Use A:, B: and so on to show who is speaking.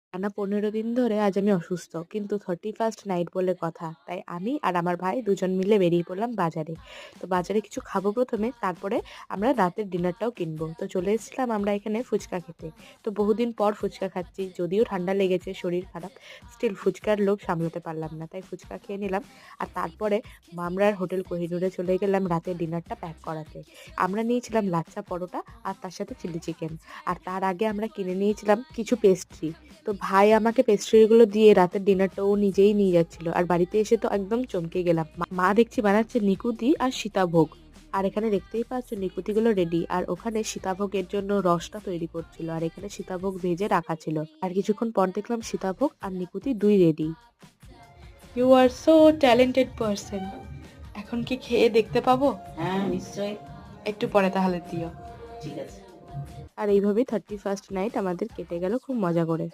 A: টানা ১৫ দিন ধরে আজ আমি অসুস্থ। কিন্তু 31st নাইট বলে কথা। তাই আমি আর আমার ভাই দুজন মিলে বেরিয়ে পড়লাম বাজারে। তো বাজারে কিছু খাবো ১ম এ, তারপরে আমরা রাতের ডিনারটাও কিনবো। তো চলে এসেছিলাম আমরা এখানে ফুচকা খেতে। তো বহুদিন পর ফুচকা খাচ্ছি। যদিও ঠান্ডা লেগেছে, শরীর খারাপ। স্টিল ফুচকার লোভ সামলাতে পারলাম না। তাই ফুচকা খেয়ে নিলাম। আর তারপরে মামরার হোটেল কোহিনূরে চলে গেলাম রাতের ডিনারটা প্যাক করাতে। আমরা নিয়েছিলাম লাচ্ছা পরোটা আর তার সাথে চিলি চিকেন। আর তার আগে আমরা কিনে নিয়েছিলাম কিছু পেস্ট্রি। তো ভাই আমাকে পেস্ট্রিগুলো দিয়ে রাতের ডিনারটা ও নিজেই নিয়ে যাচ্ছিল। আর বাড়িতে এসে তো একদম চমকে গেলাম। মা দেখছি বানাচ্ছে নিকুতি আর সীতাভোগ। আর এখানে দেখতেই পাচ্ছ নিকুতিগুলো রেডি। আর ওখানে সীতাভোগের জন্য রসটা তৈরি করছিল। আর এখানে সীতাভোগ ভেজে রাখা ছিল। আর কিছুক্ষণ পর দেখলাম সীতাভোগ আর Nikhuti ২ ready.
B: You are so talented person. এখন কি খেয়ে দেখতে পাবো?
C: হ্যাঁ নিশ্চয়ই।
B: একটু পরে তাহলে দিও।
C: ঠিক আছে।
A: আর এইভাবেই 31st নাইট আমাদের কেটে গেল খুব মজা করে।